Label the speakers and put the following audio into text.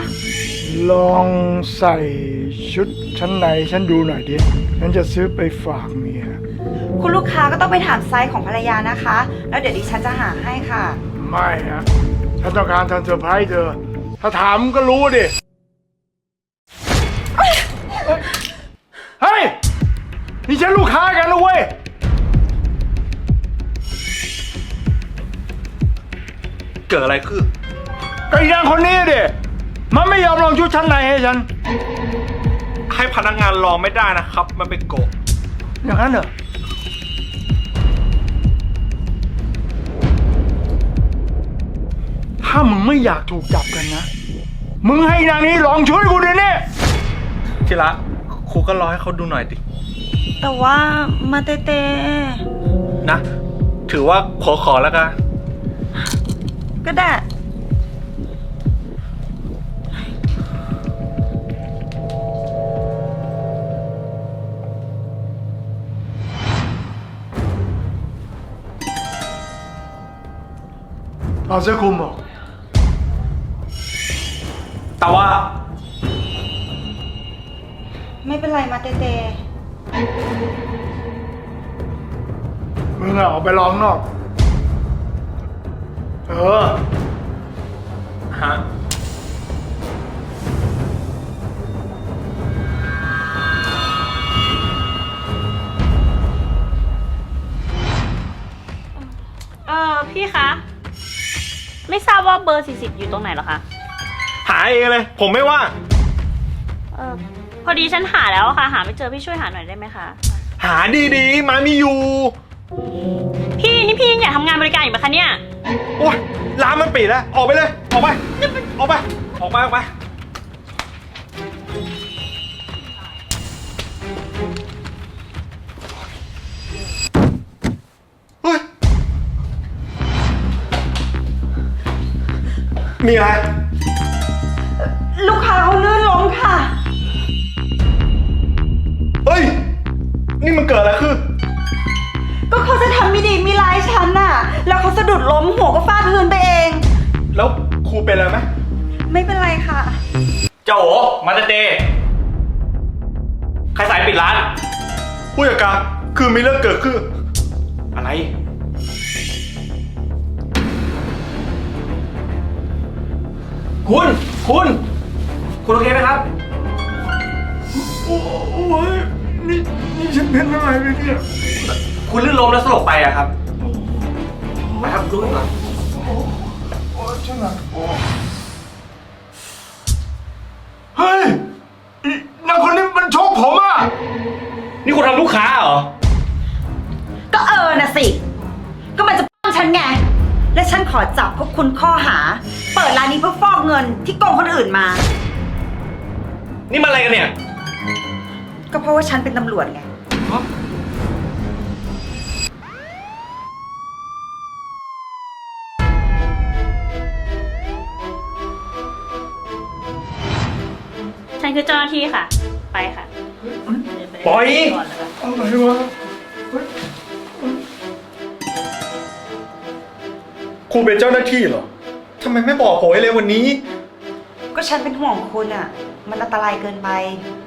Speaker 1: ลองใส่ชุดชั้นในฉันดูหน่อยดิฉันจะซื้อไปฝากเมีย
Speaker 2: คุณลูกค้าก็ต้องไปถามไซส์ของภรรยานะคะ แล้วเดี๋ยวดิฉันจะหาให้ค่ะ
Speaker 1: ไม่ฮะฉันต้องการทำเซอร์ไพรส์เธอ ถ้าถามก็รู้ดิ เฮ้ย นี่ฉันลูกค้ากันนะเว้ย
Speaker 3: เกิดอะไรขึ้น
Speaker 1: ก็อีนางคนนี้ดิ มันไม่ยอมลองชุดชั้นในให้ฉัน
Speaker 3: ให้พนักงานรอไม่ได้นะครับ มันเป็นโกะ
Speaker 1: อย่างนั้นเหรอ ถ้ามึงไม่อยากถูกจับกันนะ มึงให้นางนี้ลองชุดให้กูเดี๋ยวนี้
Speaker 3: ทีละครูก็รอให้เขาดูหน่อยดิ
Speaker 2: แต่ว่ามาเต
Speaker 3: นะ ถือว่าขอแล้วกัน
Speaker 2: ก็ได้
Speaker 1: ถอดเสื้อคลุมออก
Speaker 3: แต่ว่า
Speaker 2: ไม่เป็นไรมาเต
Speaker 1: มึงอะออกไปลองนอก
Speaker 3: ฮะ
Speaker 4: พี่คะ ไม่ทราบว่าเบอร์40อยู่ตรงไหนเหรอคะ
Speaker 3: หาเองเลย ผมไม่ว่าง
Speaker 4: พอดีฉันหาแล้วอะค่ะ หาไม่เจอพี่ช่วยหาหน่อยได้ไหมคะ
Speaker 3: หาดีๆ มามีอยู่
Speaker 4: พี่นี่พี่ยังอยากทำงานบริการอยู่ไหมคะเนี่ย
Speaker 3: โอ้ยร้านมันปิดแล้ว ออกไปเลย ออกไป ออกไป ออกไป ออกไป เฮ้ย มีอะไร
Speaker 2: ลูกค้าเขาลื่นล้มค่ะ
Speaker 3: เฮ้ย นี่มันเกิดอะไรขึ้น
Speaker 2: ก็เขาจะทำไม่ดีมีร้ายฉันน่ะ แล้วเขาสะดุดล้มหัวก็ฟาดพื้นไปเอง
Speaker 3: แล้วครูเป็นอะไรไหม
Speaker 2: ไม่เป็นไรค่ะ
Speaker 3: เจ้าโอมาเตใครสายปิดร้าน ผู้จัดการคือมีเรื่องเกิดขึ้น อะไร คุณโอเคไหมครับ
Speaker 1: โอ้ยนี่ฉันเป็นอะไรไปเนี่ย
Speaker 3: คุณลื่นล้มแล้วสลบไปอะครับ ไปครับดูหน่อย
Speaker 1: โอ้ฉันหนักโอ้เฮ้ยอีนางคนนี้มันชกผมอ่ะ
Speaker 3: นี่คุณทำลูกค้าเหรอ
Speaker 2: ก็น่ะสิ ก็มันจะป้องฉันไง และฉันขอจับพวกคุณข้อหา เปิดร้านนี้เพื่อฟอกเงินที่โกงคนอื่นมา
Speaker 3: นี่มันอะไรกันเนี่ย
Speaker 2: ก็เพราะว่าฉันเป็นตำรวจไง
Speaker 4: ฉันคือเจ้าหน้าที่ค่ะ ไปค่ะ
Speaker 3: ปล่อย
Speaker 4: ก่อนนะคะ
Speaker 1: อะไรวะเฮ้ย
Speaker 3: ครูเป็นเจ้าหน้าที่เหรอ ทำไมไม่บอกผมไว้เลยวันนี้
Speaker 2: ก็ฉันเป็นห่วงคุณอ่ะ มันอันตรายเกินไป